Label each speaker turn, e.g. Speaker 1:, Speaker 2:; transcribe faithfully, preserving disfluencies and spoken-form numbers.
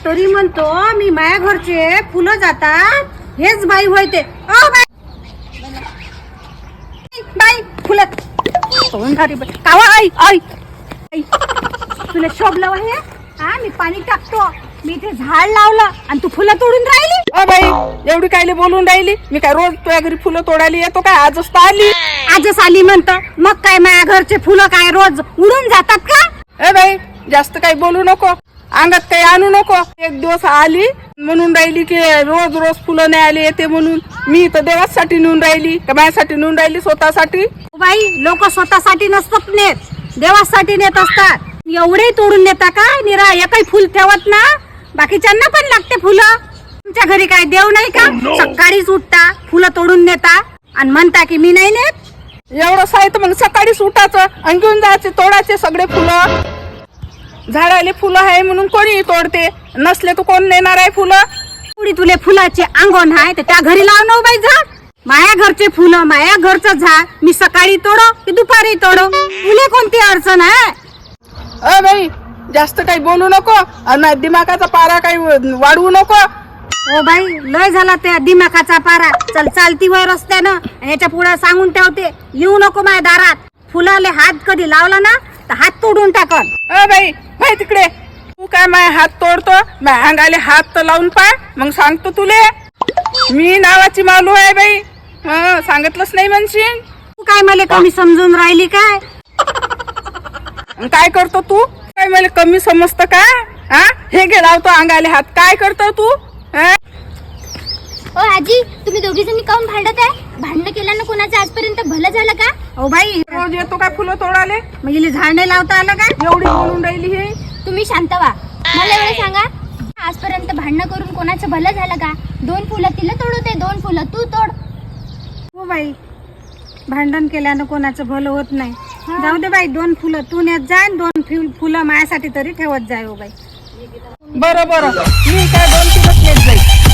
Speaker 1: तरी म्हणतो मी माया घरचे फुलं जातात हेच बाई होते. ओ बाई बाई फुलं तोंड घारी कावा आई आई आई तुला शोभलं हे. हा मी पाणी टाकतो, मी इथे झाड लावलं आणि तू फुलं तोडून राहिली.
Speaker 2: अ बाई एवढी कायले बोलून राहिली? मी काय रोज तुझ्या घरी फुलं तोडायला येतो काय? आजच तर आली.
Speaker 1: आजच आली म्हणतं मग काय माया घरचे फुलं काय रोज उडून जातात का?
Speaker 2: ए बाई जास्त काही बोलू नको, अंगात काही आणू नको. एक दिवस आली म्हणून राहिली की रोज रोज फुलं नाही आली येते म्हणून. मी तर देवासाठी नेऊन राहिली का माझ्यासाठी नेऊन राहिली? स्वतःसाठी.
Speaker 1: बाई लोक स्वतःसाठी नसतात नेत, देवासाठी नेत असतात. एवढे तोडून नेता का? निरा एकही फुल ठेवत ना, बाकीच्यांना पण लागते फुलं. तुमच्या घरी काय देव नाही का? सकाळीच उठता फुलं तोडून नेता आणि म्हणता की मी नाही नेत.
Speaker 2: एवढं साहित्य मग सकाळीच उठायचं आणि घेऊन जायचे तोडायचे सगळे फुलं. झाडाले फुलं आहे म्हणून कोणी तोडते, नसले तर कोण नेणार आहे फुलं?
Speaker 1: पुढे तुले फुलाचे अंगण आहे तर त्या घरी लाव ना बाई झाड. माया घरचे फुलं माया घरचं झाड मी सकाळी तोडो की दुपारी तोडो, तुले कोणती अडचण आहे?
Speaker 2: अ बाई जास्त काही बोलू नको आणि दिमागाचा पारा काही वाढवू नको.
Speaker 1: ओ बाई लय झाला त्या दिमाखाचा पारा. चल चालती वय रस्त्यानं आणि याच्या पुढे सांगून ठेवते येऊ नको माझ्या दारात. फुलाले हात कधी लावला ना तर हात तोडून टाकन.
Speaker 2: अ बाई बाई तिकडे तू काय माझे हात तोडतो? माझ्या अंगाले हात तर लावून पाय मग सांगतो तुले. मी नावाची मालू आहे बाई. हं सांगितलंच नाही म्हणशील.
Speaker 1: तू काय मला कमी समजून राहिली काय?
Speaker 2: काय करतो तू? काय मला कमी समजतं का? हा हे घे लावतो अंगाले हात. काय करतो तू?
Speaker 3: ओ आजी तुम्ही दोघी जणी काऊन भांडत आहे? भांडण केल्यानं कोणाचं आजपर्यंत भलं झालं का?
Speaker 1: ओ बाई
Speaker 2: रोज येतो काय फुलं तोडाले?
Speaker 1: मग हिला झाड नाही लावता आलं काय?
Speaker 2: एवढी बोलून राहिली हे.
Speaker 3: तुम्ही शांत व्हा. मला एवढं सांगा, आजपर्यंत भांडण करून कोणाचं भलं झालं का? दोन फुलं तिला तोडवते, दोन फुलं तू तोड.
Speaker 1: हो बाई भांडण केल्यानं कोणाचं भलं होत नाही. जाऊ दे बाई, दोन फुलं तू नेत जाय, दोन फुल- फुलं माझ्यासाठी तरी ठेवत जाय. हो बाई
Speaker 2: बरं बरं मी काय दोन किलोच नेत जाईल.